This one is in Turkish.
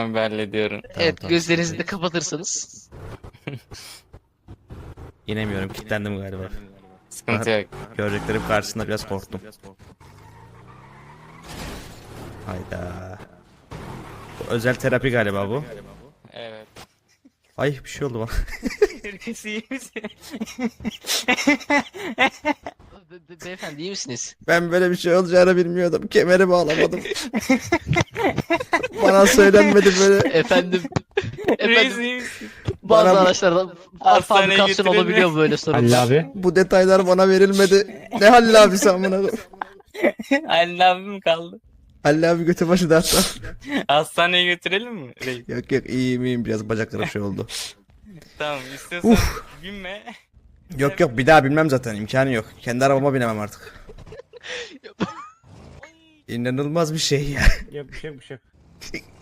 ben hallediyorum. Evet, tamam. gözlerinizi de kapatırsanız. İnemiyorum, kilitlendim galiba. Sıkıntı yok. Göreceklerim karşısında biraz korktum. Hayda. Bu özel terapi galiba bu. Evet. Ay bir şey oldu bana. Herkes iyi misin? Beyefendi iyi misiniz? Ben böyle bir şey olacağını bilmiyordum. Kemeri bağlamadım. Bana söylenmedi böyle. Efendim, Reis efendim iyi misin? bazı bana- araçlarda Hastaneye fabrikasyon götürelim mi? olabiliyor böyle sorunlar. Halil abi. Bu detaylar bana verilmedi. Ne Halil abisi amına koyayım. Halil abi mi kaldı? Halil abi götü başı dağıttı. Hastaneye götürelim mi? Reis? Yok yok iyiyim biraz bacaklarım şey oldu. Tamam istiyorsan binme. Yok yok bir daha bilmem zaten imkanı yok. Kendi arabama binemem artık. İnanılmaz bir şey ya. Yok bir şey yok.